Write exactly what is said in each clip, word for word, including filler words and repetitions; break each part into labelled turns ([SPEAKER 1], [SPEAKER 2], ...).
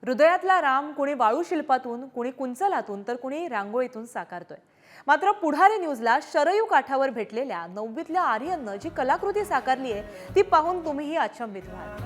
[SPEAKER 1] हृदयातला राम कुणी वाळू शिल्पातून, कुणी कुंचलातून तर कुणी रांगोळीतून साकारतोय। मात्र पुढारी न्यूजला शरयू काठावर भेटलेल्या नववीतल्या आर्यननं जी कलाकृती साकारली आहे ती पाहून तुम्हीही अचंबित व्हाल।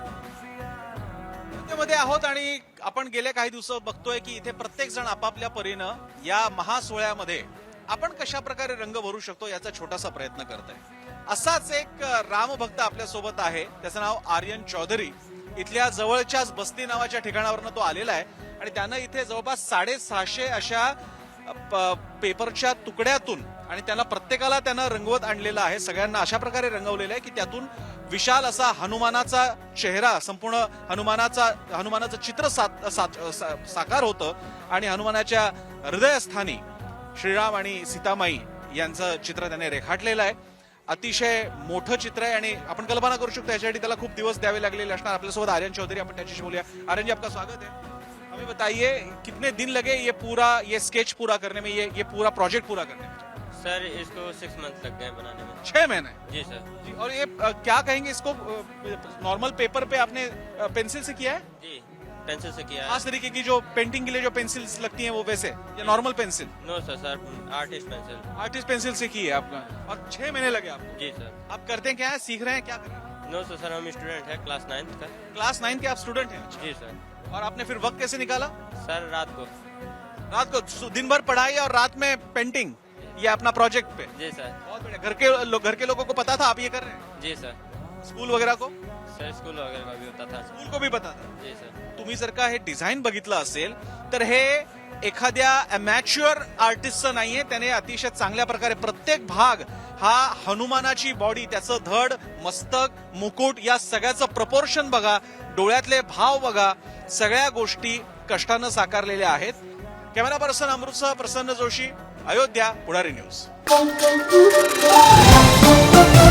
[SPEAKER 2] मध्ये आहोत आणि आपण गेल्या काही दिवस बघतोय की इथे प्रत्येक जण आपापल्या परीनं या महासोहळ्यामध्ये आपण कशा प्रकारे रंग भरू शकतो याचा छोटासा प्रयत्न करत आहे। असाच एक रामभक्त आपल्या सोबत आहे, त्याचं नाव आर्यन चौधरी। इथल्या जवळच्याच बस्ती नावाच्या ठिकाणावरनं तो आलेला आहे आणि त्यानं इथे जवळपास साडेसहाशे अशा पेपरच्या तुकड्यातून आणि त्यांना प्रत्येकाला त्यानं रंगवत आणलेलं आहे। सगळ्यांना अशा प्रकारे रंगवलेलं आहे की त्यातून विशाल असा हनुमानाचा चेहरा, संपूर्ण हनुमानाचा हनुमानाचं चित्र सात, सात, सा, साकार होतं आणि हनुमानाच्या हृदयस्थानी श्रीराम आणि सीतामाई यांचं चित्र त्याने रेखाटलेलं आहे। अतिशय मोठं चित्र आहे आणि आपण कल्पना करू शकतो याच्यासाठी त्याला खूप दिवस द्यावे लागलेले असणार। आपल्यासोबत आर्यन चौधरी, आपण त्याच्याशी बोलूया। आर्यन जी, आपका स्वागत है। हमें बताइए कितने दिन लगे ये पूरा ये स्केच पूरा करने में, ये ये पूरा प्रोजेक्ट पूरा करने में?
[SPEAKER 3] सर इसको सिक्स मंथ लग गए बनाने में।
[SPEAKER 2] छह महीने
[SPEAKER 3] जी सर।
[SPEAKER 2] जी। और ये अ, क्या कहेंगे इसको, नॉर्मल पेपर पे आपने पेंसिल से किया है?
[SPEAKER 3] जी पेंसिल से किया है।
[SPEAKER 2] खास तरीके की जो पेंटिंग के लिए जो पेंसिल्स लगती हैं वो वैसे, या normal pencil?
[SPEAKER 3] No sir sir artist pencil.
[SPEAKER 2] Artist pencil से की है आपका, और छह महीने लगे आपको?
[SPEAKER 3] जी सर।
[SPEAKER 2] आप करते हैं क्या है, सीख रहे हैं, क्या कर रहे हैं?
[SPEAKER 3] नो सर सर हम स्टूडेंट है क्लास नाइन्थ का।
[SPEAKER 2] क्लास नाइन के आप स्टूडेंट हैं?
[SPEAKER 3] जी सर।
[SPEAKER 2] और आपने फिर वक्त कैसे निकाला?
[SPEAKER 3] सर रात को।
[SPEAKER 2] रात को दिन भर पढ़ाई और रात में पेंटिंग, ये अपना प्रोजेक्ट पे?
[SPEAKER 3] जी सर।
[SPEAKER 2] बहुत बढ़िया। घर के लो, घर के लोगों को पता था आप ये कर रहे हैं?
[SPEAKER 3] जी सर।
[SPEAKER 2] स्कूल वगैरह को?
[SPEAKER 3] सर स्कूल वगैरह का भी होता था।
[SPEAKER 2] स्कूल को भी पता था?
[SPEAKER 3] जी सर।
[SPEAKER 2] तुम्ही जर का हे डिझाईन बघितलं असेल तर हे एखाद्या अमॅच्युअर आर्टिस्टचं नाहीये, त्याने अतिशय चांगल्या प्रकारे प्रत्येक भाग हा हनुमानाची बॉडी, त्याचं धड, मस्तक, मुकुट या सगळ्याचं प्रपोर्शन बघा, डोळ्यातले भाव बघा, सगळ्या गोष्टी कष्टानं साकारलेल्या आहेत। कॅमेरा पर्सन अमृतसह प्रसन्न जोशी, अयोध्या, पुढारी न्यूज।